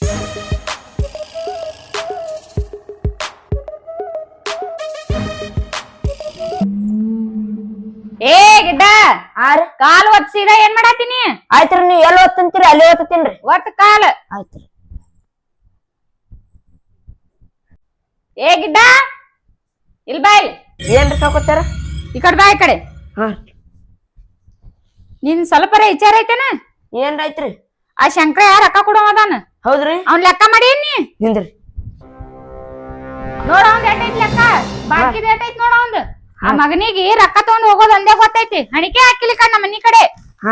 ಏ ಗಿಡ್ಡ ಕಾಲ್ ಒತ್ಸಿದ ಏನ್ ಮಾಡಾತೀನಿ? ಆಯ್ತ್ರಿ ನೀವ್ ಎಲ್ಲಿ ಓದ್ತಂತೀರಿ ಅಲ್ಲಿ ಓದ್ತೀನ್ರಿ. ಒತ್ ಕಾಲ್. ಆಯ್ತ್ರಿ. ಏ ಗಿಡ್ಡ ಇಲ್ ಬಾಯ್. ಏನ್ರಿ ಸಾಕೋತಾರ? ಈ ಕಡೆ ಬಾ ಈ ಕಡೆ. ಹಾ ನಿನ್ ಸ್ವಲ್ಪರ ವಿಚಾರ ಐತೆನ? ಏನ್ರಾಯ್ತ್ರಿ? ಆ ಶಂಕರ ರೊಕ್ಕ ಕೊಡೋ ಅದಾನ. ಹೌದ್ರಿ. ಅವ್ನ್ ಲೆಕ್ಕ ಮಾಡಿ ನೀ ನಿಂದ್ರಿ. ನೋಡ ಅವ್ನ್ ಎಟ್ಟೈತಿ ಲೆಕ್ಕ, ಬಾಕಿದ ಎಟ್ಟೈತಿ ನೋಡ ಅವ್ನ್. ಆ ಮಗನಿಗೆ ರೊಕ್ಕ ತಗೊಂಡ್ ಹೋಗೋದ್ ಒಂದೇ ಗೊತ್ತೈತಿ, ಹಣಿಕೆ ಹಾಕಿಲಿ ಕಣ್ಣ ನಮ್ಮ ಮನಿ ಕಡೆ. ಹಾ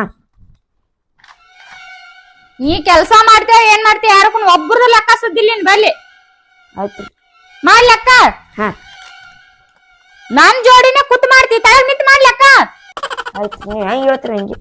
ನೀ ಕೆಲ್ಸ ಮಾಡ್ತೇವ ಏನ್ ಮಾಡ್ತೇವ ಯಾರಕ್ಕೂ ಒಬ್ರದ್ದು ಲೆಕ್ಕ ಸುದ್ದಿಲ್ಲ ನಿನ್ ಬಲ್ಲಿ. ಆಯ್ತ್ರಿ. ಮಾಡ್ ಲೆಕ್ಕ. ಹಾ ನನ್ ಜೋಡಿನ ಕುತ್ ಮಾಡ್ತಿ, ತಳಗ್ ನಿಂತ್ ಮಾಡ್ ಲೆಕ್ಕ. ಆಯ್ತು ನೀವ್ ಹೆಂಗ್ ಹೇಳ್ತೀರಿ ಹಂಗೆ.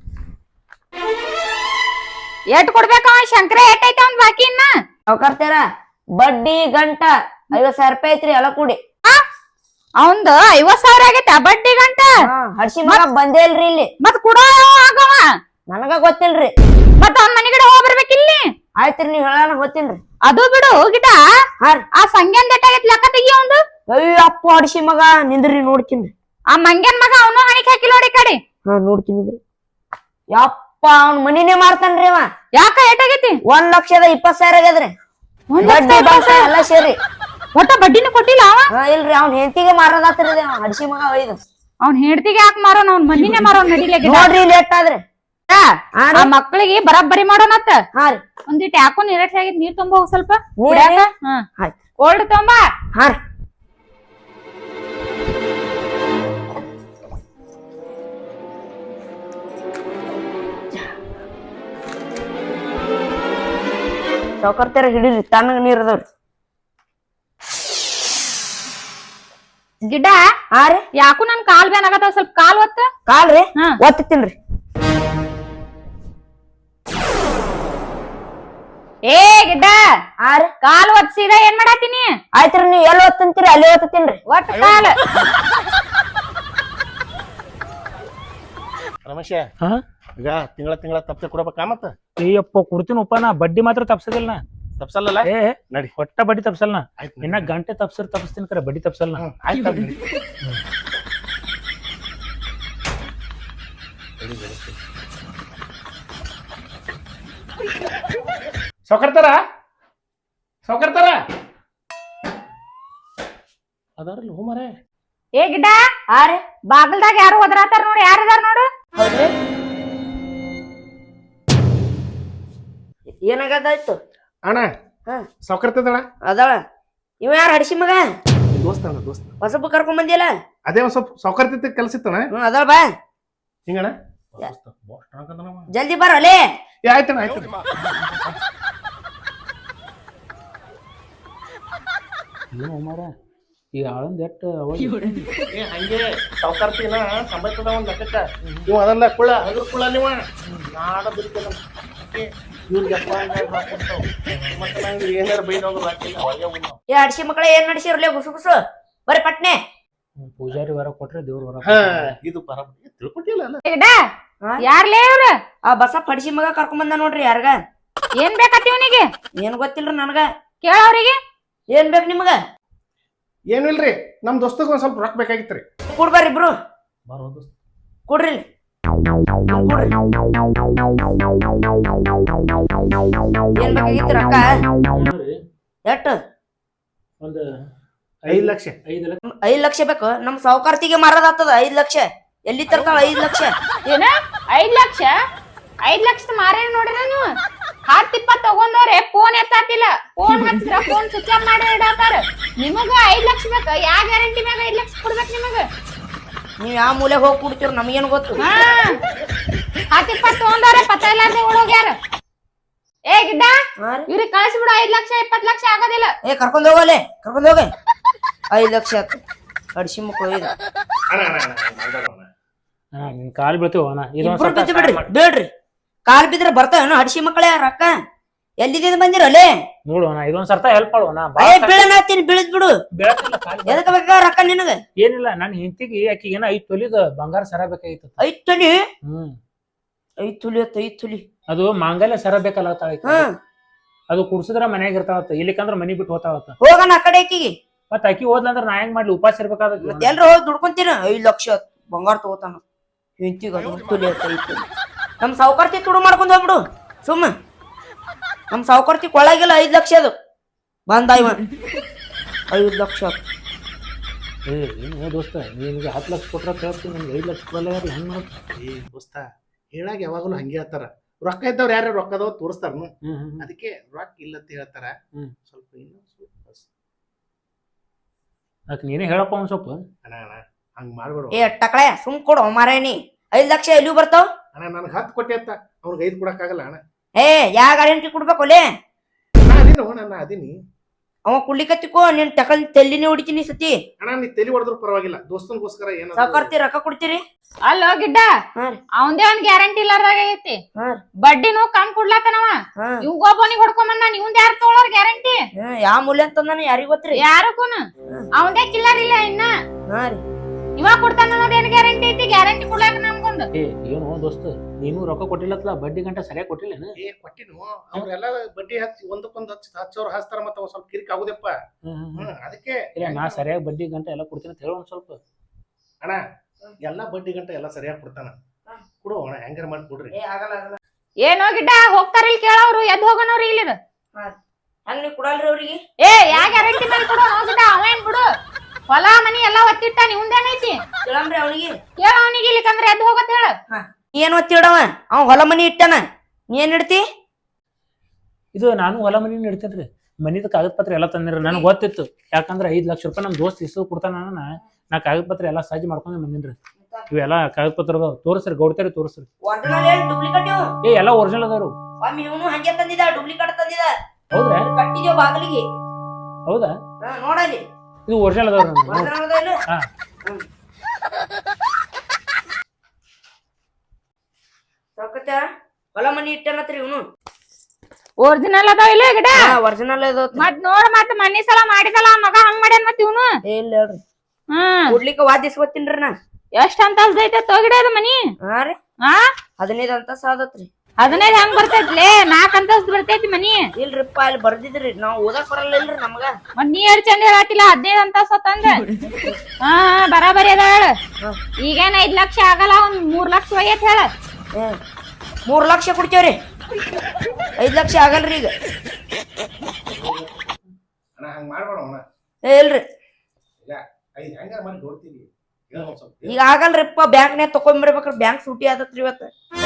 ಎಟ್ ಕೊಡ್ಬೇಕ ಅವ ಶಂಕರ? ಎಟ್ಟೈತಿ ಅವ್ನ್ ಬಾಕಿ ಇನ್ನ? ಸಾವ್ಕಾರ್ತಾರ ಬಡ್ಡಿ ಗಂಟ 50,000 ರೂಪಾಯಿ ಐತ್ರಿ ಎಲ್ಲ ಕೂಡಿ. ಅವಂದ 50,000 ಆಗೈತ ಬಡ್ಡಿ ಗಂಟ. ಹಡ್ಸಿ ಮಗ ಬಂದೇ ಇಲ್ರಿ ಇಲ್ಲಿ. ಮತ್ ಕೊಡೋ ಆಗವ ನನಗ ಗೊತ್ತಿಲ್ರಿ. ಮತ್ ಅವ್ನ ಮನಿ ಕಡೆ ಹೋಗ್ಬರ್ಬೇಕಿಲ್ಲಿ. ಆಯ್ತ್ರಿ ನೀವ್ ಹೇಳಾನ ಗೊತ್ತಿಲ್ರಿ. ಅದು ಬಿಡು ಗಿಟ, ಆ ಸಂಗ್ಯಾನ್ ಎಟ್ಟಾಗೈತಿ ಲೆಕ್ಕ ತೆಗಿ ಅವಂದು. ಅಯ್ಯಪ್ಪ ಹಡ್ಸಿ ಮಗ ನಿಂದ್ರಿ ನೋಡ್ತೀನಿ. ಆ ಮಂಗ್ಯಾನ್ ಮಗ ಅವನು ಹಣಿಕೆ ಹಾಕಿ ನೋಡಿ ಕಡೆ. ಹಾ ನೋಡ್ತೀನಿ. ಯಪ್ಪ ಅವ್ನ ಮನಿನೇ ಮಾಡ್ತಾನ್ರಿ ಅವ. ಯಾಕ ಎಟ್ಟಾಗೈತಿ? 1,20,000 ಆಗ್ಯದ್ರಿ. ಎಲ್ಲ ಸೇರಿ ಒಟ್ಟ ಬಡ್ಡಿನೂ ಕೊಟ್ಟಿಲ್ಲ ಅವ. ಇಲ್ರಿ ಅವ್ನ ಹೆಂಡತಿಗೆ ಮಾರೋದಾತ್ರಿ ಹಡ್ಸಿ ಮಗ ಒಯ್ದು. ಅವ್ನ ಹೆಂಡತಿಗೆ ಯಾಕೆ ಮಾರೋನ್? ಅವ್ನ ಮನಿನೇ ಮಾರೋನ್ ನಡಿಲೆ. ನೋಡ್ರಿ ಲೇಟ್ ಆದ್ರಿ. ಆ ಮಕ್ಕಳಿಗೆ ಬರಾಬರಿ ಮಾಡೋಣತ್ತ. ಹಾ ರೀ. ಒಂದಿಟ್ಟು ಯಾಕೋ ನಿರಾಶೆ ಆಗಿದ್, ನೀರ್ ತುಂಬ ಹೋಗ್ ಸ್ವಲ್ಪ. ಆಯ್ತು ಕೋಲ್ಡ್ ತೊಂಬ. ಹಾ ರೀ. ಸಾವ್ಕಾರ್ತಾರ ಹಿಡೀರಿ, ತಣ್ಣಗ ನೀರ್ ಅದಾವ್ರಿ. ಗಿಡ್ಡ ಹಾ ರೀ. ಯಾಕೋ ನನ್ ಕಾಲ್ ಬ್ಯಾನ್ ಆಗತ್ತಾವ, ಸ್ವಲ್ಪ ಕಾಲ್ ಒತ್ತ. ಕಾಲ್ರಿ ಒತ್ತತೀನ್ರಿ. ಏ ಗಿಡ್ಡ ಹಾ ರೀ. ಕಾಲ್ ಒತ್ಸಿದ ಏನ್ ಮಾಡಾತೀನಿ? ಆಯ್ತ್ರಿ ನೀವ್ ಎಲ್ಲಿ ಓದ್ತಂತೀರಿ ಅಲ್ಲಿ ಓದ್ತೀನ್ರಿ. ಒಟ್ಟ ಕಾಲ್. ರಮೇಶ ಈಗ ತಿಂಗಳ ತಪ್ಪೆ ಕೊಡಬೇಕಾ? ಮತ್ತ ಅಯ್ಯಪ್ಪ ಕೊಡ್ತೀನಪ್ಪ, ನಾ ಬಡ್ಡಿ ಮಾತ್ರ ತಪ್ಸದಿಲ್ಲ. ತಪ್ಸಲ್ಲ. ಏ ನಡಿ, ಒಟ್ಟ ಬಡ್ಡಿ ತಪ್ಸಲ್ಲ. ಆಯ್ತು ಇನ್ನ ಗಂಟೆ ತಪ್ಸ್ತೀನಿ ಕರೆ, ಬಡ್ಡಿ ತಪ್ಸಲ್ಲ. ಆಯ್ತು. ಸಾವ್ಕಾರ್ತಾರ ಅದಾರಲ್ಲ ಹೋಮರೆ. ಏ ಗಿಡ್ಡ ಹಾ ರೀ. ಬಾಗಲ್ದಾಗ ಯಾರು ಒದರಾತಾರ ನೋಡಿ, ಯಾರದಾರ ನೋಡು. ಹೌದ್ರಿ. ಏನಾಗದಾಯ್ತು ಅಣ್ಣ? ಸಾವ್ಕಾರ್ತದಣ್ಣ ಅದಾಳ. ಇವ ಯಾರ ಹಡ್ಸಿ ಮಗ? ದೋಸ್ತ ಹೊಸಬ ಕರ್ಕೊಂಡ್ ಬಂದಿಯಲ್ಲ? ಅದೇ ಒಂದ್ ಸ್ವಲ್ಪ ಸಾವ್ಕಾರ್ತಿ ಕೆಲಸ ಇತ್ತಣ್ಣ. ಅದಾಳ ಬಾ. ಹಿಂಗಣ್ಣ ಜಲ್ದಿ ಬರೋಲೆ. ಆಯ್ತಣ್ಣ. ಈ ಆಳಂದ ಎಟ್ಟ ಹಂಗೆ ಸಾವ್ಕಾರ್ತಿನ ಸಂಬಂಧದ ಒಂದ್ ಲೆಕ್ಕಕ್ಕ ನೀವು ಅದನ್ನ ಕುಳ್ಳ ಹಗರ್ ಕುಳ್ಳ ನೀವ ನಾಡ ಬಿಡ್ತೇನೆ ಇವ್ರಿಗೆ ಮತ್ತೆ ನಂಗೆ ಏನಾರ ಬೈದವ್ರು ಹಾಕಿಲ್ಲ. ಏ ಹಡ್ಸಿ ಮಕ್ಕಳ ಏನ್ ನಡ್ಸಿರ್ಲೆ ಗುಸು ಗುಸು ಬರ್ರಿ ಪಟ್ನೆ. ಪೂಜಾರಿ ವರ ಕೊಟ್ರೆ ದೇವ್ರ ವರ. ಇದು ಬರಬರಿ ತಿಳ್ಕೊಟ್ಟಿಲ್ಲ. ಗಿಡ್ಡ ಯಾರ್ಲೇ ಇವ್ರ? ಆ ಬಸಪ್ಪ ಹಡ್ಸಿ ಮಗ ಕರ್ಕೊಂಡ್ ಬಂದ ನೋಡ್ರಿ. ಯಾರ್ಗ ಏನ್ ಬೇಕತ್ತಿ ಇವನಿಗೆ? ಏನ್ ಗೊತ್ತಿಲ್ರಿ ನನಗ. ಕೇಳವ್ರಿಗೆ. ಏನ್ ಬೇಕು ನಿಮಗ? ಏನು ಇಲ್ರಿ, ನಮ್ ದೋಸ್ತಗ ಒಂದ್ ಸ್ವಲ್ಪ ರೊಕ್ಕ ಬೇಕಾಗಿತ್ರಿ. ಕೊಡ್ಬಾರ್ರಿ ಇಬ್ರು. ಕೊಡ್ರಿ. ಏನ್ ಬೇಕಾಗಿತ್ತು ರೊಕ್ಕ? ಎಟ್ಟು? ಒಂದು 5 ಲಕ್ಷ. 5 ಲಕ್ಷ ಬೇಕು. ನಮ್ ಸಾವ್ಕಾರ್ತಿಗೆ ಮಾರೋದಾಗ್ತದ 5 ಲಕ್ಷ. ಎಲ್ಲಿ ತರ್ತಾಳ 5 ಲಕ್ಷ? ಏನ 5 ಲಕ್ಷ? 5 ಲಕ್ಷದ ಮಾರೇನ್ ನೋಡ್ರಿ ನೀವು? 10-20 ತಗೊಂಡವ್ರೆ ಫೋನ್ ಎತ್ತಾತಿಲ್ಲ. ಫೋನ್ ಹಚ್ಚಿದ್ರ ಫೋನ್ ಸ್ವಿಚ್ ಆಫ್ ಮಾಡಿ ಇಡತಾರ. ನಿಮಗ 5 ಲಕ್ಷ ಬೇಕ? ಯಾವ ಗ್ಯಾರಂಟಿ ಮ್ಯಾಗ 5 ಲಕ್ಷ ಕೊಡ್ಬೇಕು ನಿಮಗ? ನೀವ್ ಯಾವ ಮೂಲೆ ಹೋಗಿ ಕುಡ್ತೀರ ನಮಗೇನು ಗೊತ್ತು. 10-20 ತಗೊಂಡವ್ರೆ ಪತ್ತ ಇಲ್ಲಾರ್ದೆ ಓಡೋಗ್ಯಾರ. ಏ ಗಿಡ್ಡ ಇವ್ರಿಗೆ ಕಳಿಸ್ಬಿಡು. 5 ಲಕ್ಷ 20 ಲಕ್ಷ ಆಗೋದಿಲ್ಲ. ಏ ಕರ್ಕೊಂಡ್ ಹೋಗಲೆ, ಕರ್ಕೊಂಡ್ ಹೋಗ. 5 ಲಕ್ಷ ಆತು. ಹಡ್ಸಿ ಮಕ್ಕಳು ಇದು ನಿನ್ ಕಾಲ್ ಬೀಳ್ತೀವ ಬಿಡ್ರಿ. ಬೇಡ್ರಿ, ಕಾಲ್ ಬಿದ್ರೆ ಬರ್ತಾವೇನು ಹಡ್ಸಿ ಮಕ್ಕಳೇ ರೊಕ್ಕ? ಎಲ್ಲಿದಿಂದ ಬಂದಿರಲ್ಲೇ? ನೋಡುವಣ ಇದೊಂದ್ ಸರ್ತ ಹೆಲ್ಪ್ ಮಾಡುವಣ. ಬೀಳನಾತೀನಿ, ಬೀಳದ್ ಬಿಡು. ಎದಕ್ ಬೇಕ ರೊಕ್ಕ ನಿನಗ? ಏನಿಲ್ಲ, ನನ್ ಹೆಂಡತಿಗೆ ಆಕಿ ಏನೋ 5 ತೊಲಿದ ಬಂಗಾರ ಸರ ಬೇಕಾಗಿತ್ತು. 5 ತೊಲಿ? 5 ತೊಲಿ. ಅದು ಮಾಂಗಲ್ಯ ಸರ ಬೇಕಲ್ಲ ತಾಳಿ. ಅದು ಕುಡ್ಸಿದ್ರ ಮನ್ಯಾಗ ಇರ್ತಾವತ್ತ ಇಲ್ಲಿಕಂದ್ರ ಮನಿ ಬಿಟ್ಟು ಹೋತಾವತ್ತ ಹೋಗಣ ಆ ಕಡೆ ಆಕಿಗೆ ಮತ್ತ ಅಕ್ಕಿ ಹೋದ್ಲಂದ್ರ ನಾ ಹೆಂಗ್ ಮಾಡ್ಲಿ ಉಪವಾಸ ಇರ್ಬೇಕಾದ ಮತ್ತೆ ಎಲ್ರು ಹೋಗಿ ದುಡ್ಕೊಂತೀನ 5 ಲಕ್ಷ ಬಂಗಾರ ತಗೋತಾನ ಹೆಂತಿಗ ತುಲಿ ನಮ್ ಸಾವುಕಾರ್ತಿ ತುಡು ಮಾಡ್ಕೊಂಡ್ ಹೋಗ್ಬಿಡು ಸುಮ್ಮ ನಮ್ ಸಾವುಕಾರ್ತಿ ಕೊಳ್ಳಾಗಿಲ್ಲ 5 ಲಕ್ಷ ಅದು ಬಂದ ಇವ 5 ಲಕ್ಷ ಏನು ದೋಸ್ತ ನಿನ್ಗೆ 10 ಲಕ್ಷ ಕೊಟ್ರ ಕೇಳ್ತೀನಿ ನಿಮ್ಗೆ 5 ಲಕ್ಷ ಕೊಡಲ್ಲ ಹೆಂಗ್ ಮಾಡ ದೋಸ್ತ ಹೇಳಾಗ ಯಾವಾಗಲೂ ಹಂಗೆ ಹೇಳ್ತಾರ ರೊಕ್ಕ ಇದ್ದವ್ರು ಯಾರು ರೊಕ್ಕದವ್ ತೋರಿಸ್ತಾರ ಅದಕ್ಕೆ ರೊಕ್ಕ ಇಲ್ಲಂತ ಹೇಳ್ತಾರ ಸ್ವಲ್ಪ ಅದಕ್ಕೆ ನೀನೇ ಹೇಳಪ್ಪ ಒಂದ್ ಸ್ವಲ್ಪ ಅಣ್ಣ ಹಂಗ್ ಮಾಡ್ಬೇಡ ಏ ಟಕಳೆ ಸುಮ್ ಕೊಡು ಮಾರೇನಿ 5 ಲಕ್ಷ ಎಲ್ಲಿ ಬರ್ತಾವ ಅಣ್ಣ ನನ್ಗೆ 10 ಕೊಟ್ಟೆ ಅಂತ ಅವ್ರಿಗೆ 5 ಕೊಡಕ್ಕಾಗಲ್ಲ ಅಣ್ಣ ಏ ಯಾ ಗ್ಯಾರಂಟಿ ಕೊಡ್ಬೇಕು ಒಲೆ ನಾನು ಅದೀನಿ ಅವ ಕುಡ್ಲಿಕತ್ತಿಕೋ ನೀನ್ ಟಕಲ್ ತೆಲ್ಲಿನೇ ಹೊಡಿತೀನಿ ಸತಿ ಅಣ್ಣ ನೀ ತಲೆ ಹೊಡೆದ್ರು ಪರವಾಗಿಲ್ಲ ದೋಸ್ತನ್ಗೋಸ್ಕರ ಏನ ಸಾವುಕಾರ್ತಿ ರೊಕ್ಕ ಕೊಡ್ತೀರಿ ಅಲ್ಲೋ ಗಿಡ್ಡ ಅವಂದೇ ಒಂದ್ ಗ್ಯಾರಂಟಿ ಇಲ್ಲಾರ್ದಾಗ ಐತಿ ಬಡ್ಡಿನೂ ಕಮ್ ಕೊಡ್ಲಾತನವ ಇವ್ಗೊಬ್ಬನಿಗೆ ಹೊಡ್ಕೊಂಬಂದ ಇವಂದ ಯಾರು ತೊಗೊಳೋರ್ ಗ್ಯಾರಂಟಿ ಯಾವ ಮೂಲ್ಯ ಅಂತಂದಾನ ಯಾರಿಗ್ ಗೊತ್ತ್ರಿ ಯಾರಕ್ಕೂನು ಅವಂದೇ ಕಿಲ್ಲರ್ ಇಲ್ಲ ಇನ್ನ ಇವ ಕೊಡ್ತಾನ ಅನ್ನೋದೇನ್ ಗ್ಯಾರಂಟಿ ಐತಿ ಗ್ಯಾರಂಟಿ ಕೊಡ್ಲಾಕ ನಮ್ಗೊಂದು ಏನು ದೋಸ್ತ ನೀನು ರೊಕ್ಕ ಕೊಟ್ಟಿಲ್ಲತ್ಲ ಬಡ್ಡಿ ಗಂಟೆ ಸರಿಯಾಗಿ ಕೊಟ್ಟಿಲ್ಲ ಕೊಟ್ಟಿನು ಅವ್ರೆಲ್ಲ ಬಡ್ಡಿ ಹಚ್ಚಿ ಒಂದಕ್ಕೊಂದು ಹಚ್ಚೋರು ಹಚ್ತಾರ ಮತ್ತ ಒಂದ್ ಸ್ವಲ್ಪ ಕಿರಿಕ್ ಆಗುದಪ್ಪ ಅದಕ್ಕೆ ಇಲ್ಲ ನಾ ಸರಿಯಾಗಿ ಬಡ್ಡಿ ಗಂಟೆ ಎಲ್ಲ ಕೊಡ್ತೀನಿ ಅಂತ ಹೇಳ ಒಂದ್ ಸ್ವಲ್ಪ ಅಣ್ಣ ಎಲ್ಲಾ ಬಡ್ಡಿ ಗಂಟೆ ಎಲ್ಲ ಸರಿಯಾಗಿ ಕೊಡ್ತಾನ ಕೊಡು ಅಣ್ಣ ಹೆಂಗಾರ ಮಾಡಿ ಕೊಡ್ರಿ ಏನೋ ಗಿಡ್ಡ ಹೋಗ್ತಾರ ಇಲ್ಲಿ ಕೇಳವ್ರು ಎದ್ ಹೋಗೋನವ್ರು ಇಲ್ಲಿ ಹಂಗ ನೀವ್ ಕೊಡಲ್ರಿ ಅವ್ರಿಗೆ ಏ ಯಾ ಗ್ಯಾರಂಟಿ ಮೇಲೆ ಕೊಡು ಗಿಡ್ಡ ಅವೇನ್ ಬಿಡು ಹೊಲ ಮನಿ ಎಲ್ಲಾ ಒತ್ತಿಟ್ಟ ನಿಮ್ದೇನೈತಿ ಕೇಳಂಬ್ರಿ ಅವನಿಗೆ ಕೇಳ ಅವನಿಗೆ ಇಲ್ಲಿಕಂದ್ರೆ ಎದ್ ಹೋಗತ್ ಹೇಳ ಏನ್ ಒತ್ತಿಡವ ಅವ ಹೊಲ ಮನಿ ಇಟ್ಟಾನ ನೀ ಏನ್ ಇಡ್ತಿ ಇದು ನಾನು ಹೊಲ ಮನಿ ಇಡ್ತೇನ್ರಿ ಮನಿದ ಕಾಗದ ಪತ್ರ ಎಲ್ಲ ತಂದಿರ ನನಗೆ ಗೊತ್ತಿತ್ತು ಯಾಕಂದ್ರೆ 5 ಲಕ್ಷ ರೂಪಾಯಿ ನಮ್ ದೋಸ್ತ್ ಇಸು ಕೊಡ್ತಾನ ನಾ ಕಾಗದ ಪತ್ರ ಎಲ್ಲ ಸಾಜಿ ಮಾಡ್ಕೊಂಡ್ ಬಂದಿನ್ರಿ ಇವೆಲ್ಲ ಕಾಗದ ಪತ್ರ ತೋರಿಸ್ರಿ ಗೌಡ್ತಾರಿ ತೋರಿಸ್ರಿ ಏ ಎಲ್ಲ ಒರಿಜಿನಲ್ ಅದಾರು ಇವನು ಹಂಗೆ ತಂದಿದ ಡೂಪ್ಲಿಕೇಟ್ ತಂದಿದ ಹೌದ್ರಾ ಕಟ್ಟಿದೇವ್ ಬಾಗಿಲಿಗೆ ಹೌದಾ ನೋಡಲ್ಲಿ ಇದು ಒರಿಜಿನಲ್ ಅದಾವ್ರಿ ಹಾ ಹೊಲ ಮನಿ ಇಟ್ಟನತ್ರಿ ಇವನು ಒರಿಜಿನಲ್ ಅದಾವ ಇಲ್ಲ ಗಿಡ ಒರಿಜಿನಲ್ ಮತ್ ನೋಡ್ ಮತ್ ಮನಿ ಸಲ ಮಾಡಿದಲ್ಲ ಮಗ ಹಂಗ್ ಮಾಡ್ಯಾನ ಮತ್ ಇವನು ಇಲ್ಲ ಹೇಳ್ರಿ ಕೊಡ್ಲಿಕ್ಕೆ ವಾದಿಸ್ ಗೊತ್ತಿನ್ರಿ ನಾ ಎಷ್ಟ್ ಅಂತಸ್ದ ಐತೆ ತೋಗಿಡ ಅದ ಮನಿ ಹಾ ರೀ 15 ಅಂತಸ್ ಆದತ್ರಿ 15 ಹೆಂಗ್ ಬರ್ತೈತ್ಲೆ 4 ಅಂತಸ್ದ ಬರ್ತೈತಿ ಮನಿ ಇಲ್ರಿಪ್ಪ ಅಲ್ಲಿ ಬರ್ದಿದ್ರಿ ನಾವ್ ಓದಕ್ ಬರಲ್ಲ ಇಲ್ರಿ ನಮಗ ಮತ್ ನೀ ಎಷ್ಟ್ ಚಂದ ಹೇಳತ್ತಿಲ್ಲ 15 ಅಂತಸ್ ತಂದ ಬರಾಬರಿ ಅದ ಹೇಳ ಈಗೇನ್ 5 ಲಕ್ಷ ಆಗಲ್ಲ ಒಂದ್ 3 ಲಕ್ಷ ಒಯ್ಯತ್ ಹೇಳ 3 ಲಕ್ಷ ಕೊಡ್ತೇವ್ರಿ 5 ಲಕ್ಷ ಆಗಲ್ರಿ ಈಗ ಅಣ್ಣ ಹಂಗ ಮಾಡ್ಬೇಡ ಅಣ್ಣ ಇಲ್ರಿ ಹೆಂಗಾರ ಮಾಡಿ ನೋಡ್ತೀವಿ ಈಗ ಆಗಲ್ರಿಪ್ಪ ಬ್ಯಾಂಕ್ನ್ಯಾಗ ತಕೊಂಡ್ಬರ್ಬೇಕ್ರಿ ಬ್ಯಾಂಕ್ ಸೂಟಿ ಆದತ್ರಿ ಇವತ್ತ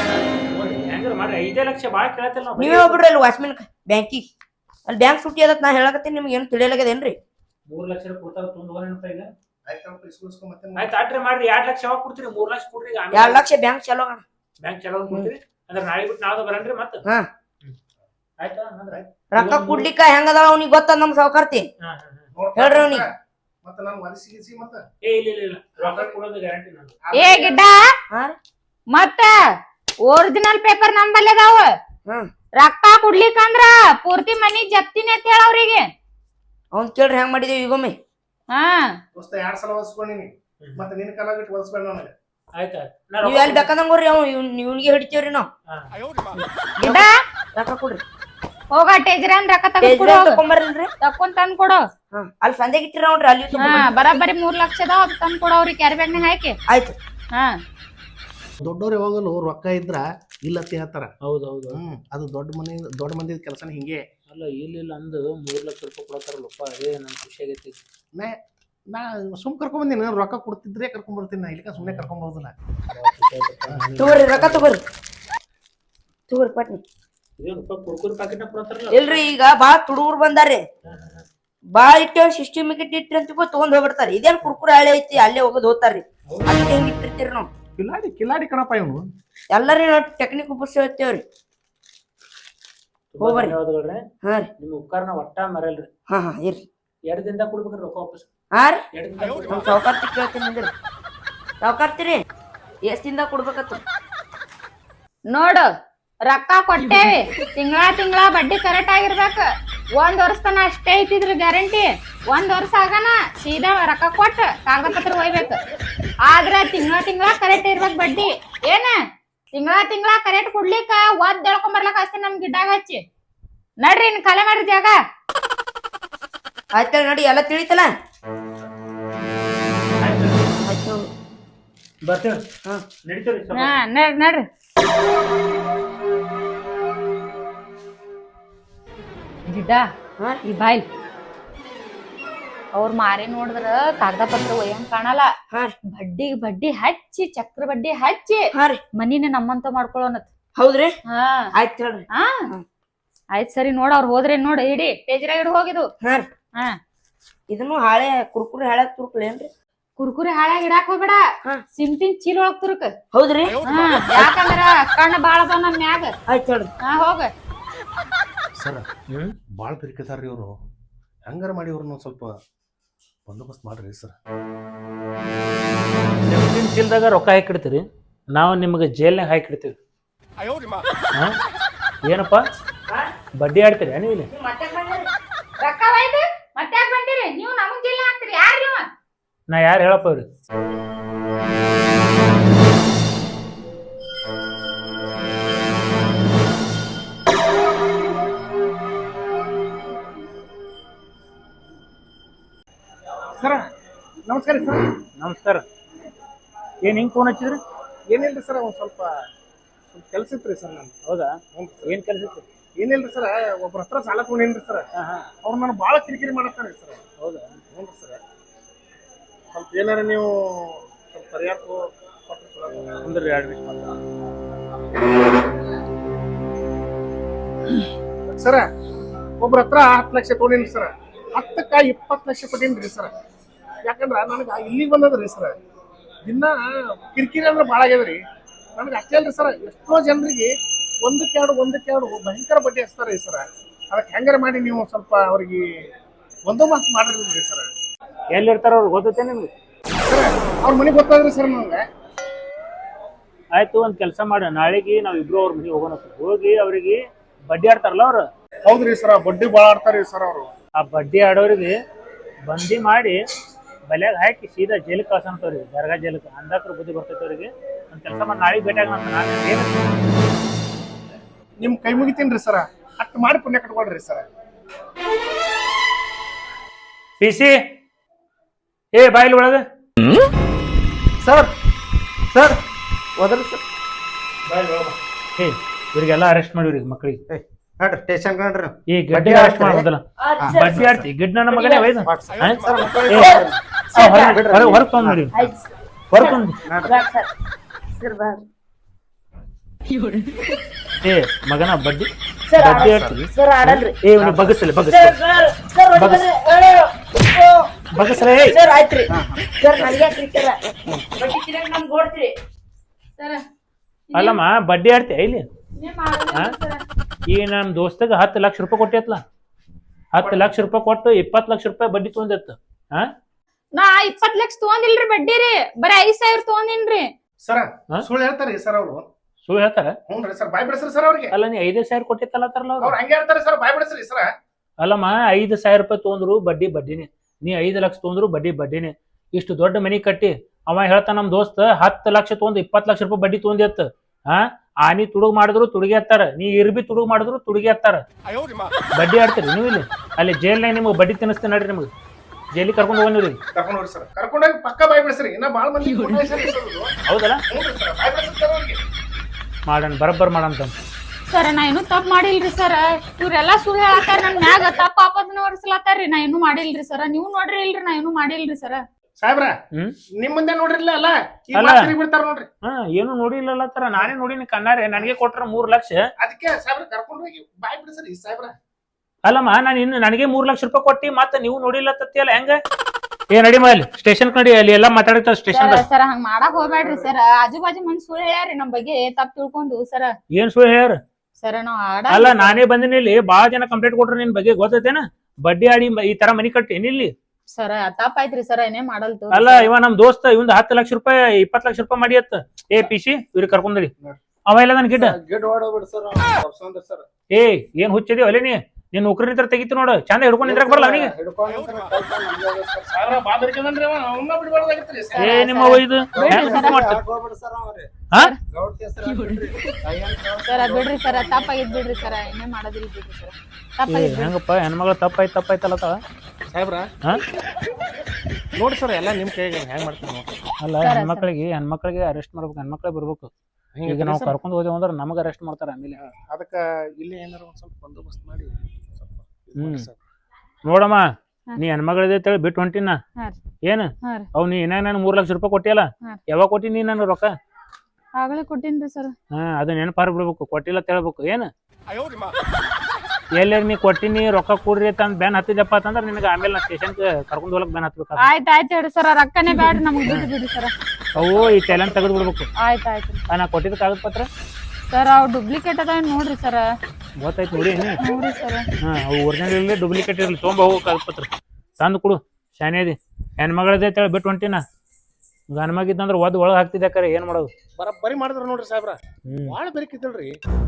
ಮಾಡ್ರಿ 5 ಲಕ್ಷ ಬಾಳ ಕೇಳತ್ತಿಲ್ಲ ನೀವೇ ಹೋಗ್ಬಿಡ್ರಿ ಅಲ್ಲಿ ವಾಚ್ಮನ್ ಬ್ಯಾಂಕಿಗೆ ಅಲ್ಲಿ ಬ್ಯಾಂಕ್ ಸೂಟಿ ಆದತ್ ನಾ ಹೇಳಕತ್ತೀನಿ ನಿಮ್ಗೆ ಏನು ತಿಳಿಯಲಾಗದೇನ್ರಿ 3 ಲಕ್ಷ ಕೊಡ್ತಾರ ತುಂಬ್ಕೊಂಡ್ ಈಗ ಆಯ್ತು ಆಯ್ತು ಆಟ್ರಿ ಮಾಡ್ರಿ 2 ಲಕ್ಷ ಯಾವಾಗ ಕೊಡ್ತೀರಿ 3 ಲಕ್ಷ ಕೊಡ್ರಿ 2 ಲಕ್ಷ ಬ್ಯಾಂಕ್ ಚಲೋ ಬ್ಯಾಂಕ್ ಚಲೋ ಕೊಡ್ತೀರಿ ಅಂದ್ರೆ ನಾಳೆ ಬಿಟ್ಟು ನಾಳೆ ಬರನ್ರಿ ಮತ್ತೆ ಆಯ್ತಾ ರೊಕ್ಕ ಕೊಡ್ಲಿಕ್ಕ ಹೆಂಗದಾಳ ಅವ್ನಿಗೆ ಗೊತ್ತ ನಮ್ ಸಾವುಕಾರ್ತಿ ಹೇಳ್ರಿ ಅವ್ನಿಗೆ ಮತ್ತೆ ನಾನು ಒದಿಸಿ ಮತ್ತೆ ಇಲ್ಲ ರೊಕ್ಕ ಕೊಡೋದು ಗ್ಯಾರಂಟಿ ನಾನು ಏ ಗಿಡ್ಡ ಮತ್ತ ಒರಿಜಿನಲ್ ಪೇಪರ್ ನಂಬಲ್ಲಿ ಅದಾವ ರೊಕ್ಕ ಕೊಡ್ಲಿಕ್ಕಂದ್ರ ಪೂರ್ತಿ ಮನಿ ಜಪ್ತಿನೇ ಅಂತ ಹೇಳ ಅವ್ರಿಗೆ ಅವ್ನ್ ಕೇಳ್ರಿ ಹೆಂಗ್ ಮಾಡಿದೇವಿ ಈಗೊಮ್ಮೆ ದೋಸ್ತ 2 ಸಲ ಒದಿಸ್ಕೊಂಡಿನಿ ಮತ್ತೆ ನಿನ್ನ ಕಾಲ ಬಿಟ್ಟು ಒದಿಸ್ಬೇಡ ನನಗೆ ಆಯ್ತಾ ನೀವ್ ಎಲ್ಲಿ ಬೇಕಂದಂಗ್ರಿ ಅವ್ ಇವ್ನಿಗೆ ಹಿಡಿತೇವ್ರಿ ನಾವ್ ಗಿಡ್ಡ ರೊಕ್ಕ ಕೊಡ್ರಿ ಹೋಗ ಟೇಜ್ರಾನ್ ರೊಕ್ಕ ತಗೊಂಬರ್ರಿ ತಕೊಂಡ್ ತಂದ್ ಕೊಡು ಅಲ್ಲಿ ಸಂಜೆಗೆ ಇಟ್ಟಿರ ನೋಡ್ರಿ ಅಲ್ಲಿ ಬರಾಬರಿ 3 ಲಕ್ಷ ಅದಾವ ಅದ್ ತಂದ್ ಕೊಡು ಅವ್ರಿಗೆ ಕ್ಯಾರಿ ಬ್ಯಾಗ್ನಾಗ ಹಾಕಿ ಆಯ್ತು ದೊಡ್ಡವ್ರು ಯಾವಾಗಲೂ ರೊಕ್ಕ ಇದ್ರ ಇಲ್ಲತ್ತೆ ಹೇಳ್ತಾರ ಹೌದೌದು ಅದು ದೊಡ್ಡ ಮಂದಿ ಕೆಲಸನ ಹಿಂಗೆ ಅಲ್ಲ ಇಲ್ಲ ಅಂದು 3 ಲಕ್ಷ ರೂಪಾಯಿ ಕೊಡತಾರಲ್ಲಪ್ಪ ಅದೇ ನನ್ ಖುಷಿ ಆಗೈತಿ ನಾ ಸುಮ್ ಕರ್ಕೊಂಡ್ ಬಂದಿನಿ ರೊಕ್ಕ ಕೊಡ್ತಿದ್ರೆ ಕರ್ಕೊಂಡ್ ಬರ್ತೀನಿ ನಾ ಇಲ್ಲಿಕ ಸುಮ್ಮನೆ ಕರ್ಕೊಂಡ್ ಬರೋದಿಲ್ಲ ತಗೋರಿ ರೊಕ್ಕ ತಗೋರಿ ಪಟ್ನಿ ಕುರ್ಕುರಿ ಪ್ಯಾಕೆಟ್ ಕೊಡ್ತಾರಲ್ಲ ಇಲ್ರಿ ಈಗ ಬಾಳ ತುಡುಗರು ಬಂದಾರಿ ಬಾಳ ಇಟ್ಟೇವ್ ಸಿಸ್ಟಮಿಕ್ ಇಟ್ರಿ ಅಂತ ತಗೊಂಡ್ ಹೋಗ್ಬಿಡ್ತಾರ ಇದೇನ್ ಕುರ್ಕುರಿ ಹಳೆ ಐತಿ ಅಲ್ಲೇ ಹೋಗೋದ್ ಹೋಗ್ತಾರ್ರಿ ಅಲ್ಲಿ ಹೆಂಗ್ ಇಟ್ಟಿರ್ತೀರಿ ನಾವು ಕಿಲಾಡಿ ಕಣಪ್ಪ ಇವನು ಎಲ್ಲಾರಿ ನಾವು ಟೆಕ್ನಿಕ್ ಉಪಯೋಗಿಸ್ತೇವ್ರಿ ಹೋಗ್ಬರ್ರಿ ಹಾ ರೀ ನಿಮ್ ಉಪಕಾರನ ಒಟ್ಟ ಮರಲ್ರಿ ಹಾ ಇರ್ರಿ 2 ದಿನದಾಗ ಕೊಡ್ಬೇಕ್ರಿ ರೊಕ್ಕ ವಾಪಸ್ ಹಾ ರೀ 2 ದಿನದಾಗ ನಮ್ ಸಾವುಕಾರ್ತಿ ಕೇಳ್ತೀನಿ ಅಂದ್ರಿ ಸಾವುಕಾರ್ತಿರಿ ಎಷ್ಟ್ ದಿನದಾಗ ಕೊಡ್ಬೇಕತ್ತ ನೋಡು ರೊಕ್ಕ ಕೊಟ್ಟೇವಿ ತಿಂಗಳ ಬಡ್ಡಿ ಕರೆಕ್ಟ್ ಆಗಿರ್ಬೇಕ 1 ವರ್ಷ ತನ ಅಷ್ಟೇ ಐತಿದ್ರ ಗ್ಯಾರಂಟಿ 1 ವರ್ಷ ಆಗನ ಸೀದಾ ರೊಕ್ಕ ಕೊಟ್ಟ ಕಾಗದ ಪತ್ರ ಒಯ್ಬೇಕು ಆದ್ರ ತಿಂಗಳ ಕರೆಕ್ಟ್ ಇರ್ಬೇಕ ಬಡ್ಡಿ ಏನ ತಿಂಗಳ ಕರೆಕ್ಟ್ ಕೊಡ್ಲಿಕ್ಕ ಒದ್ ಎಳ್ಕೊಂಡ್ ಬರ್ಲಕ್ ಹಚ್ತೀನಿ ನಮ್ ಗಿಡ್ಡಾಗ ಹಚ್ಚಿ ನಡ್ರಿ ಇನ್ ಖಾಲಿ ಮಾಡ್ರಿ ಜಾಗ. ಆಯ್ತಲ್ಲ ನಡಿ ಎಲ್ಲ ತಿಳಿತಲ್ಲ. ಆಯ್ತು ಬರ್ತೇವೆ. ಹಾ ನಡೀತೇವ್ರಿ ಸ್ವಲ್ಪ. ಹಾ ನಡ್ರಿ. ಗಿಡ್ಡ ಹಾ ಈ ಬಾಯ್ಲ್ ಅವ್ರ ಮಾರಿ ನೋಡಿದ್ರ ಕಾಗದ ಪತ್ರ ಒಯ್ಯಂಗ್ ಕಾಣಲ್ಲ. ಹಾ ಬಡ್ಡಿ ಹಚ್ಚಿ ಚಕ್ರ ಬಡ್ಡಿ ಹಚ್ಚಿ ಹಾ ರೀ ಮನಿನ ನಮ್ಮಂತ ಮಾಡ್ಕೊಳ್ಳೋನತ್. ಹೌದ್ರಿ ಹಾ ಆಯ್ತು ಹೇಳ್ರಿ. ಹಾ ಆಯ್ತ್ ಸರಿ ನೋಡ ಅವ್ರ ಹೋದ್ರೆ ನೋಡಿ ಹಿಡಿ ಟೇಜ್ರಾಗ ಹಿಡ್ ಹೋಗಿದು. ಹಾ ರೀ ಹಾ ಇದನ್ನು ಹಾಳೆ ಕುರ್ಕುರಿ ಹಾಳಾಕ್ ತುರುಕ್ಲೇನ್ರಿ? ಕುರ್ಕುರಿ ಹಾಳಾಗಿ ಇಡಾಕ್ ಹೋಗ್ಬೇಡ. ಹಾ. ಸಿಂಪಿನ್ ಚೀಲ ಒಳಗ್ ತುರುಕ್. ಹೌದ್ರಿ ಹಾ ಯಾಕಂದ್ರ ಕಣ್ಣ ಬಾಳ ಅದಾವ ನಮ್ ಮ್ಯಾಗ. ಆಯ್ತು ಹೇಳ್ರಿ. ಹಾ ಹೋಗ. ಸರ್ ಭಾಳ ಬೆರಿಕೆದಾರ್ರಿ ಇವರು. ಹೆಂಗಾರ ಮಾಡಿ ಇವ್ರನ್ನ ಸ್ವಲ್ಪ ಬಂದೋಬಸ್ತ್ ಮಾಡ್ರಿ ಸರ್. ನಿಮ್ಮ ಚೀಲದಾಗ ರೊಕ್ಕ ಹಾಕಿಡ್ತೀರಿ, ನಾವು ನಿಮಗೆ ಜೈಲ್ನಾಗ ಹಾಕಿಡ್ತೀವಿ. ಏನಪ್ಪ ಬಡ್ಡಿ ಆಡ್ತೀರಿ ನೀವು ಇಲ್ಲಿ? ರೊಕ್ಕ ಒಯ್ದು ಮತ್ತೆ ಯಾಕ್ ಬಂದಿರಿ ನೀವು? ನಮಗ್ ಜಿಲ್ಲ ಹಾಕ್ತಿರಿ ಯಾರು ನೀವು? ನಾ ಯಾರು ಹೇಳಪ್ಪ ಅವ್ರಿ? ಸರ ನಮಸ್ಕಾರ ಸರ್. ನಮಸ್ಕಾರ. ಏನ್ ಹಿಂಗ್ ಫೋನ್ ಹಚ್ಚಿದ್ರಿ? ಏನಿಲ್ರಿ ಸರ್ ಒಂದು ಸ್ವಲ್ಪ ಕೆಲಸ ಇತ್ತು ರೀ ಸರ್. ನಾನು ಹೌದಾ? ಏನ್ ಕೆಲಸ ಇತ್ತು? ಏನಿಲ್ರಿ ಸರ್, ಒಬ್ರ ಹತ್ರ ಸಾಲ ತೊಗೊಂಡೇನ್ರಿ ಸರ್. ಅವ್ರು ನಾನು ಭಾಳ ಕಿರಿಕಿರಿ ಮಾಡತ್ತಾರೆ ಸರ್. ಹೌದಾ? ಹ್ಞೂ ರೀ ಸರ್. ಸ್ವಲ್ಪ ಏನಾರ ನೀವು ಸ್ವಲ್ಪ ಪರಿಹಾರ ಅಂದ್ರೆ 2 ನಿಮಿಷ ಮಾತ್ರ. ಸರ ಒಬ್ರ ಹತ್ರ 10 ಲಕ್ಷ ತೊಗೊಂಡೇನ್ರಿ ಸರ್. 10ಕ್ಕ 20 ಲಕ್ಷ ಕೊಟ್ಟೇನ್ರಿ ಸರ್. ಯಾಕಂದ್ರ ನನಗೆ ಇಲ್ಲಿಗೆ ಬಂದದ್ರಿ ಸರ್. ದಿನ ಕಿರಿಕಿರಿ ಅಂದ್ರೆ ಭಾಳ ಆಗ್ಯದ್ರಿ ನನಗೆ. ಅಷ್ಟೇ ಅಲ್ರಿ ಸರ್, ಎಷ್ಟೋ ಜನರಿಗೆ ಒಂದಕ್ಕೆ ಎರಡು ಭಯಂಕರ ಬಡ್ಡಿ ಹಚ್ತಾರೆ ಸರ್. ಅದಕ್ಕೆ ಹೆಂಗಾರ ಮಾಡಿ ನೀವು ಸ್ವಲ್ಪ ಅವ್ರಿಗೆ ಬಂದೋಬಸ್ತ್ ಮಾಡಿರ್ಲಿ ಸರ್. ಎಲ್ಲಿರ್ತಾರ ಅವ್ರು ಗೊತ್ತೈತೆ ನಿಮ್ಗೆ? ಸರ್ ಅವ್ರ ಮನೆಗೆ ಗೊತ್ತಾದ್ರಿ ಸರ್ ನನಗೆ. ಆಯ್ತು, ಒಂದ್ ಕೆಲಸ ಮಾಡ, ನಾಳೆಗೆ ನಾವಿಬ್ರು ಅವ್ರ ಮನೆಗೆ ಹೋಗೋಣ. ಹೋಗಿ ಅವ್ರಿಗೆ ಬಡ್ಡಿ ಆಡ್ತಾರಲ್ಲ ಅವ್ರು. ಹೌದ್ರಿ ಸರ್, ಬಡ್ಡಿ ಭಾಳ ಆಡ್ತಾರ್ರಿ ಸರ್ ಅವರು. ಆ ಬಡ್ಡಿ ಆಡೋರಿಗೆ ಬಂದಿ ಮಾಡಿ ಬಲ್ಯಾಗ ಹಾಕಿ ಸೀದಾ ಜೈಲಿಗೆ ಕಳ್ಸಂತವ್ರಿಗೆ, ದರ್ಗಾ ಜೈಲಿಗೆ. ಅಂದಾಕ್ರ ಬುದ್ಧಿ ಬರ್ತೈತೆ ಅವ್ರಿಗೆ. ಒಂದ್ ಕೆಲಸ ಮಾಡಿ ನಾಳೆಗೆ ಭೇಟಿಯಾಗ ನಾನು ಏನು ನಿಮ್ ಕೈ ಮುಗಿತೀನ್ರಿ ಸರ. ಅಷ್ಟು ಮಾಡಿ ಪುಣ್ಯ ಕಟ್ಕೊಳ್ರಿ ಸರ್. ಪಿಸಿ ಏ ಬಾಯಿಲ್ ಒಳಗ ಸರ್ ಸರ್ ಹೋದ್ರಿ ಸರ್. ಏ ಇವ್ರಿಗೆಲ್ಲ ಅರೆಸ್ಟ್ ಮಾಡಿವ್ರಿ ಮಕ್ಕಳಿಗೆ. ನೋಡ್ರಿ ಸ್ಟೇಷನ್ ನೋಡ್ರಿ. ಈ ಗಡ್ಡಿ ಅರೆಸ್ಟ್ ಮಾಡೋದಲ್ಲ, ಬಡ್ಡಿ ಆಡ್ತಿ ಗಿಡ್ ನನ್ನ ಮಗನೇ ವೈದ್ ಹೊರಗೆ ತಂದ್ ನೋಡಿ, ಹೊರಗೆ ತಂದು. ಏ ಮಗನ ಬಡ್ಡಿ ಆಡ್ತೀವಿ. ಏ ಇವ್ನಿಗೆ ಬಗಸ್ಲಿ ಬಗಸ್ರೆ. ಆಯ್ತ್ರಿ ಸರ್, ನನಗೆ ಬಡ್ಡಿ ತಿನ್ನಕ್ ನಮ್ಗೆ ಓಡ್ತೀರಿ. ಸರ ಅಲ್ಲಮ್ಮ ಬಡ್ಡಿ ಆಡ್ತೀಯ ಇಲ್ಲಿ? ಈ ನಮ್ ದೋಸ್ತಗ 10 ಲಕ್ಷ ರೂಪಾಯಿ ಕೊಟ್ಟಿತ್ಲ, 10 ಲಕ್ಷ ರೂಪಾಯಿ ಕೊಟ್ಟು 20 ಲಕ್ಷ ರೂಪಾಯಿ ಬಡ್ಡಿ ತೊಗೊಂಡಿತ್ತು. ನಾ 20 ಲಕ್ಷ ತಗೊಂಡಿಲ್ರಿ ಬಡ್ಡಿ ರೀ, ಬರೀ 5,000 ತಗೊಂಡಿನ್ರಿ. ಸರ್ ಸುಳ್ಳು ಹೇಳ್ತಾರಿ ಸರ್ ಅವರು. ಸುಳ್ಳು ಹೇಳ್ತಾರ? ಹ್ಞೂ ರೀ ಸರ್, ಬಾಯ್ ಬಿಡಿಸ್ರಿ ಸರ್ ಅವ್ರಿಗೆ. ಅಲ್ಲ ನೀ 5,000 ಕೊಟ್ಟಿತ್ತಲ್ಲ ಅವ್ರು ಹಂಗೆ ಹೇಳ್ತಾರೆ ಸರ್, ಬಾಯ್ ಬಿಡಿಸ್ರಿ ಸರ್. ಅಲ್ಲಮ್ಮ 5,000 ರೂಪಾಯಿ ತೊಗೊಂಡ್ರು ಬಡ್ಡಿನೇ, ನೀ 5 ಲಕ್ಷ ತೊಗೊಂಡ್ರು ಬಡ್ಡಿನೇ. ಇಷ್ಟು ದೊಡ್ಡ ಮನಿ ಕಟ್ಟಿ ಅವ ಹೇಳ್ತಾನ ನಮ್ ದೋಸ್ತ 10 ಲಕ್ಷ ತೊಗೊಂಡ್ 20 ಲಕ್ಷ ರೂಪಾಯಿ ಬಡ್ಡಿ ತೊಗೊಂಡಿತ್ತು. ಆನಿ ತುಡುಗ್ ಮಾಡಿದ್ರು ತುಡುಗಿ ಹತ್ತಾರ, ನೀ ಇರ್ಬಿ ತುಡುಗ್ ಮಾಡಿದ್ರು ತುಡುಗಿ ಹತ್ತಾರ. ಬಡ್ಡಿ ಆಡ್ತೀರಿ ನೀವು ಇಲ್ಲಿ? ಅಲ್ಲಿ ಜೈಲ್ನಾಗ ನಿಮ್ಗೆ ಬಡ್ಡಿ ತಿನ್ನಿಸ್ತೇನೆ ನೋಡ್ರಿ, ನಿಮ್ಗೆ ಜೈಲಿಗೆ ಕರ್ಕೊಂಡು ಹೋಗಿ ಕರ್ಕೊಂಡು ಹೋಗ್ರಿ ಸರ್. ಕರ್ಕೊಂಡೋಗಿ ಪಕ್ಕ ಬಾಯ್ ಬಿಡಿಸ್ರಿ. ಇನ್ನ ಭಾಳ ಮಂದಿ ಹೌದಲ್ಲ? ಮಾಡೋಣ, ಬರಬ್ಬರ್ ಮಾಡಂತ. ಸರ ನಾ ಏನು ತಪ್ಪು ಮಾಡಿಲ್ರಿ ಸರ. ಇವ್ರೆಲ್ಲಾ ಸುಳ್ಳು ಹೇಳತ್ತಾರ, ನನ್ ಮ್ಯಾಗ ತಪ್ಪ ಆಪದನ ಹೊರಿಸ್ಲತ್ತಾರ್ರಿ. ನಾ ಏನು ಮಾಡಿಲ್ರಿ ಸರ. ನೀವು ನೋಡ್ರಿ ಇಲ್ರಿ, ನಾ ಏನು ಮಾಡಿಲ್ರಿ ಸರ. ಸಾಹೇಬ್ರ ನಿಮ್ ಮುಂದೆ ನೋಡ್ರಿಲ್ಲ ಅಲ್ಲ, ಬಿಡ್ತಾರ ನೋಡ್ರಿ. ಏನು ನೋಡಿಲ್ಲ ತರ, ನಾನೇ ನೋಡಿನಿ ಕಣ್ಣಾರೆ. ನನಗೆ ಕೊಟ್ರ 3 ಲಕ್ಷ. ಅದಕ್ಕೆ ಸಾಹೇಬ್ರ ಕರ್ಕೊಂಡು ಹೋಗಿ ಬಾಯ್ ಬಿಡಿಸ್ರಿ ಸಾಹೇಬ್ರ. ಅಲ್ಲಮ್ಮ ನಾನು ಇನ್ನು ನನಗೆ 3 ಲಕ್ಷ ರೂಪಾಯಿ ಕೊಟ್ಟಿ ಮತ್ತೆ ನೀವು ನೋಡಿಲ್ಲ ತತ್ತಿಯಲ್ಲ, ಹೆಂಗ? ಏ ನಡಿ ಮಲ್ಲಿ ಸ್ಟೇಷನ್ ನಡಿ, ಅಲ್ಲಿ ಎಲ್ಲಾ ಮಾತಾಡ್ತಾರ ಸ್ಟೇಷನ್. ಸರ ಹಂಗ ಮಾಡಕ್ ಹೋಗ್ಬೇಡ್ರಿ ಸರ. ಆಜು ಬಾಜು ಮಂದಿ ಸುಳ್ಳು ಹೇಳ್ಯಾರಿ ನಮ್ ಬಗ್ಗೆ ತಪ್ಪು ತಿಳ್ಕೊಂಡು ಸರ. ಏನ್ ಸುಳ್ಳು ಹೇಳ್ಯಾರ? ಸರ ನಾವ್ ಅಲ್ಲ ನಾನೇ ಬಂದಿನಿ ಇಲ್ಲಿ, ಬಾಳ ಜನ ಕಂಪ್ಲೇಂಟ್ ಕೊಟ್ರ ನಿನ್ ಬಗ್ಗೆ, ಗೊತ್ತೈತೇನ? ಬಡ್ಡಿ ಆಡಿ ಈ ತರ ಮನಿ ಕಟ್ಟಿ ಇಲ್ಲಿ. ಸರ ತಪ್ಪಾಯ್ತ್ರಿ ಸರ, ಏನೇ ಮಾಡಲ್ತು. ಅಲ್ಲ ಇವ ನಮ್ ದೋಸ್ತ ಇವಂದ 10 ಲಕ್ಷ ರೂಪಾಯಿ 20 ಲಕ್ಷ ರೂಪಾಯಿ ಮಾಡಿ ಅತ್ತ. ಏ ಪಿಸಿ ಇವ್ರಿಗೆ ಕರ್ಕೊಂಡಿ ಅವ ಇಲ್ಲ ನನ್ ಗಿಡ್ಡ. ಏ ಏನ್ ಹುಚ್ಚಿದೀವ ಅಲ್ಲೇ ನೀ? ನೀನ್ ನೌಕರಿ ತರ ತೆಗಿತಿ ನೋಡು, ಚಂದ ಹಿಡ್ಕೊಂಡು ನಿಂದ್ರಕ್ ಬರಲ್ಲ ಅವನಿಗೆ. ಏ ನಿಮ್ಮ ಇದು ಹಾ ಗೌಡ್ತಿ ಹೆಸರು ಬಿಡ್ರಿ ತಾಯಿ ಅಂತ ಹೇಳು. ಸರ ಬಿಡ್ರಿ ಸರ ತಪ್ಪಾಗಿದ್ ಬಿಡ್ರಿ ಸರ ಏನೇ ಮಾಡೋದಿಲ್ಲ ಬಿಡ್ರಿ ಸರ ತಪ್ಪಾಗಿದ್ ಬಿಡ್ರಿ. ಹೆಂಗಪ್ಪ ಹೆಣ್ಮಗಳು ತಪ್ಪಾಯ್ತಲ್ಲ ಸಾಹೇಬ್ರ ಹಾ ನೋಡಿ ಸರ್ ಎಲ್ಲ ನಿಮ್ ಕೈಗೆ ಹೆಂಗ್ ಮಾಡ್ತೀರಿ ನೋಡಿ ಅಲ್ಲ ಹೆಣ್ಮಕ್ಳಿಗೆ ಅರೆಸ್ಟ್ ಮಾಡ್ಬೇಕು ಹೆಣ್ಮಕ್ಳೇ ಬರ್ಬೇಕು ಈಗ ನಾವು ಕರ್ಕೊಂಡು ಹೋದೇವು ಅಂದ್ರೆ ನಮಗೆ ಅರೆಸ್ಟ್ ಮಾಡ್ತಾರೆ ಆಮೇಲೆ ಅದಕ್ಕ ಇಲ್ಲಿ ಏನಾರ ಒಂದ್ ಸ್ವಲ್ಪ ಬಂದೋಬಸ್ತ್ ಮಾಡಿ ಸ್ವಲ್ಪ ಇದ್ ಹ್ಮ್. ಮಾಡಿ ಸರ್. ನೋಡಮ್ಮ ನೀ ಹೆಣ್ಮಗಳಿದೆ ಅಂತೇಳಿ ಬಿಟ್ಟು ಹೊಂಟಿನ ಹಾ ಏನು ಹಾ ರೀ ಅವ್ ನೀ ಏನಾಗ ನಾನು 3 ಲಕ್ಷ ರೂಪಾಯಿ ಕೊಟ್ಟಿಯಲ್ಲ ಹಾ. ಯಾವಾಗ ಕೊಟ್ಟಿ ನೀ ನಾನು ರೊಕ್ಕ ಆಗಲೇ ಕೊಟ್ಟಿನ್ರಿ ಸರ್. ಹಾ ಅದು ನೆನಪಾರ ಬಿಡ್ಬೇಕು ಕೊಟ್ಟಿಲ್ಲ ಅಂತ ಹೇಳ್ಬೇಕು ಏನು ಎಲ್ಲಾರ ನೀ ಕೊಟ್ಟಿನಿ ರೊಕ್ಕ ಕೊಡ್ರಿ ಅಂತ ಬ್ಯಾನ್ ಹತ್ತಿದಪ್ಪ ಅಂತಂದ್ರೆ ನಿನಗೆ ಆಮೇಲೆ ನಾ ಸ್ಟೇಷನ್ಗೆ ಕರ್ಕೊಂಡು ಹೋಗಕ್ ಬ್ಯಾನ್ ಹತ್ಬೇಕು ಆಯ್ತು ಹೇಳ್ರಿ ಸರ ರೊಕ್ಕನೇ ಬ್ಯಾಡ್ರಿ ನಮ್ಗೆ ಬಿಟ್ಟು ಬಿಡ್ರಿ ಸರ. ಅವು ಈ ಟೈಲನ್ ತೆಗೆದು ಬಿಡ್ಬೇಕು ಆಯ್ತು ನಾ ಕೊಟ್ಟಿದ್ದ ಕಾಗದ ಪತ್ರ ಸರ್ ಅವ್ ಡುಪ್ಲಿಕೇಟ್ ಅದಾವ ನೋಡ್ರಿ ಸರ. ಗೊತ್ತಾಯ್ತು ನೋಡಿ ನೋಡ್ರಿ ಸರ. ಹಾ ಅವು ಒರಿಜಿನಲ್ ಇರಲಿ ಡೂಪ್ಲಿಕೇಟ್ ಇರಲಿ ತೊಗೊಂಬ ಹೋಗೋ ಕಾಗದ ಪತ್ರ ತಂದು ಕೊಡು ಶಾನೇದಿ ಹೆಣ್ಮಗಳದೇ ಅಂತೇಳಿ ಬಿಟ್ಟು ಹೊಂಟಿನ ಗಂಡ ಮಗಿದ್ದಂದ್ರೆ ಒಳಗೆ ಹಾಕ್ತಿದ್ದೆ ಕರೆ ಏನು ಮಾಡೋದು ಬರೀ ಮಾಡಿದ್ರ ನೋಡ್ರಿ ಸಾಹೇಬ್ರ ಭಾಳ ಬೇಕಿದ್ದಲ್ರಿ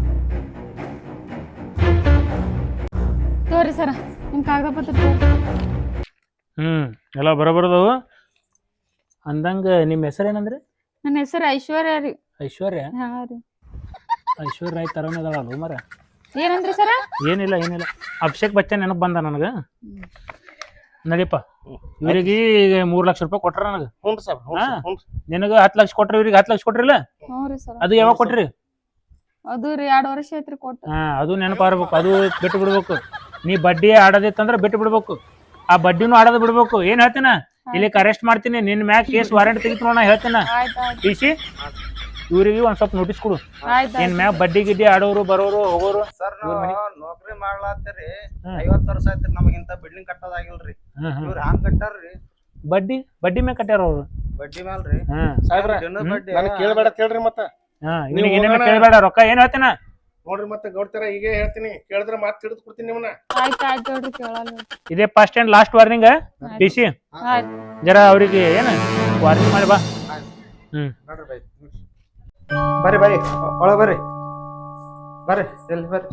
ತೋರಿ ಸರ ನಿಮ್ ಕಾಗದ ಪತ್ರ ತೋರಿ. ಎಲ್ಲ ಬರೋಬರದವು ಅಂದಂಗ ನಿಮ್ಮ ಹೆಸರು ಏನಂದ್ರಿ ನನ್ನ ಹೆಸರು ಐಶ್ವರ್ಯ ರೀ. ಐಶ್ವರ್ಯ ಹಾ ರೀ. ಐಶ್ವರ್ಯ ರಾಯ್ ತರನೇ ಅದಾಳಲ್ಲ ಮರ ಏನಂದ್ರಿ ಸರ? ಏನಿಲ್ಲ ಅಭಿಷೇಕ್ ಬಚ್ಚನ್ ನೆನಪು ಬಂದ ನನಗೆ ನಡಿಯಪ್ಪ ಇವ್ರಿಗೆ ಈಗ 3 ಲಕ್ಷ ರೂಪಾಯಿ ಕೊಟ್ರ ನನಗೆ ಹ್ಞೂ ಸರ್ ಹ್ಞೂ ನಿನಗೆ 10 ಲಕ್ಷ ಕೊಟ್ರಿ ಇವ್ರಿಗೆ 10 ಲಕ್ಷ ಕೊಟ್ರಿಲ್ಲ ಹ್ಞೂ ರೀ ಸರ. ಅದು ಯಾವಾಗ ಕೊಟ್ರಿ ಅದು ರೀ 2 ವರ್ಷ ಐತ್ರಿ ಕೊಟ್ಟು. ಅದು ನೆನಪಾರ್ಬೇಕು ಅದು ಬಿಟ್ಟು ಬಿಡ್ಬೇಕು ನೀ ಬಡ್ಡಿ ಆಡೋದಿತ್ತಂದ್ರೆ ಬಿಟ್ಟು ಬಿಡ್ಬೇಕು ಆ ಬಡ್ಡಿನೂ ಆಡೋದು ಬಿಡ್ಬೇಕು ಏನ್ ಹೇಳ್ತೀನ ಇಲ್ಲಿ ಅರೆಸ್ಟ್ ಮಾಡ್ತೀನಿ ನಿನ್ ಮ್ಯಾಗ ಕೇಸ್ ವಾರೆಂಟ್ ತೆಗಿತು ನಾ ಹೇಳ್ತೀನ ಟಿಸಿ ಇವ್ರಿಗೆ ಒಂದ್ ಸ್ವಲ್ಪ ನೋಟಿಸ್ ಕೊಡು ನಿನ್ ಮ್ಯಾಗ ಬಡ್ಡಿ ಗಿಡ್ಡಿ ಆಡೋರು ಬರೋರು ಹೋಗೋರು ಸರ್ ನಾವು ನೌಕರಿ ಮಾಡ್ಲಾತ್ತೀರಿ 50 ವರ್ಷ ಆಯ್ತ್ರಿ ನಮಗಿಂತ ಬಿಲ್ಡಿಂಗ್ ಕಟ್ಟೋದಾಗಿಲ್ರಿ ಇವ್ರ ಹಂಗ್ ಕಟ್ಟಾರ್ರಿ ಬಡ್ಡಿ ಮ್ಯಾಗ ಕಟ್ಟ್ಯಾರ ಅವ್ರು ಬಡ್ಡಿ ಮ್ಯಾಲ್ರಿ ಸಾಹೇಬ್ರ ದಿನದ ಬಡ್ಡಿ ನನಗೆ ಕೇಳಬೇಡ ಕೇಳ್ರಿ ಮತ್ತ ನಿನಗೆ ಏನೇನ ಕೇಳಬೇಡ ರೊಕ್ಕ ಏನ್ ಹೇಳ್ತೀನ ನೋಡ್ರಿ ಮತ್ತೆ ಗೌಡ್ತಾರ ಈಗ ಹೇಳ್ತೀನಿ ಕೇಳಿದ್ರೆ ಮಾತು ತಿಳಿದು ಕೊಡ್ತೀನಿ ನಿಮ್ಮನ್ನ ಆಯ್ತು ನೋಡ್ರಿ ಕೇಳಲ್ಲ. ಇದೇ first and last warning TC ಆಯ್ತು ಜರ ಅವ್ರಿಗೆ ಏನ ವಾರ್ನಿಂಗ್ ಮಾಡಿ ಬಾ ನೋಡ್ರಿ ಬರ್ರಿ ಬರ್ರಿ ಒಳಗ್ ಬರ್ರಿ ಬರ್ರಿ ಜಲ್ದಿ ಬರ್ರಿ.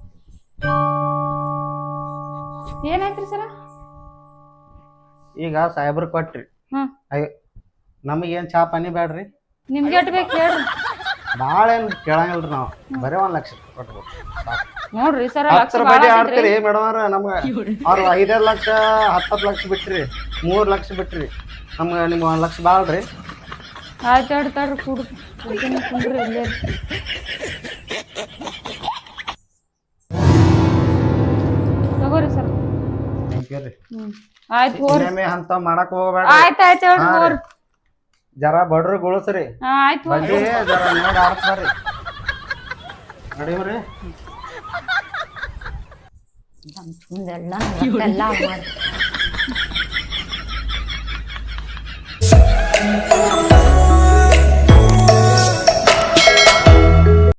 ಏನಾಯ್ತ್ರಿ ಸರ? ಈಗ ಸಾಹೇಬ್ರ ಕೊಟ್ರಿ ಹ್ಮ್. ನಮಗೇನ್ ಚಾ ಪಾನಿ ಬ್ಯಾಡ್ರಿ ನಿಮ್ಗೆ ಎಟ್ ಬೇಕು ಹೇಳ್ರಿ. ಭಾಳ ಏನ್ ಕೇಳಂಗಿಲ್ರಿ ನಾವು ಬರೀ 1 ಲಕ್ಷ ಕೊಟ್ಬಿಡ್ರಿ ನೋಡ್ರಿ ಸರ 10 ಬಡ್ಡಿ ಆಡ್ತೀರಿ ಮೇಡಮ್ ಅವ್ರ ನಮ್ಗ ಅವ್ರ 5 ಲಕ್ಷ 10 ಲಕ್ಷ ಬಿಟ್ರಿ 3 ಲಕ್ಷ ಬಿಟ್ರಿ ನಮ್ಗ ನಿಮ್ಗೆ 1 ಲಕ್ಷ ಬಾಳ್ರಿ. ಆಯ್ತು ಹೇಳ್ತಾರ್ರಿ ಕುಂಡ್ರಿ ಇಲ್ಲೇ ತಗೋರಿ ಸರ್. ಥ್ಯಾಂಕ್ ಯು ರೀ. ಆಯ್ತು ಹೋರಿ. ಇನ್ನೊಮ್ಮೆ ಅಂತ ಮಾಡಕ್ ಹೋಗ್ಬೇಡ ಆಯ್ತು ಹೇಳ್ರಿ ಹೋರಿ. ಜರ ಬಡ್ರಿ ಗುಳಸ್ರಿ ಆಯ್ತು ಹೋರಿ. ಬಡ್ಡಿ ಜರ ನೋಡಿ ಆಡ್ತಾರ್ರಿ ನಡೀವ್ರಿ. ಎಲ್ಲ ಮಾಡಿ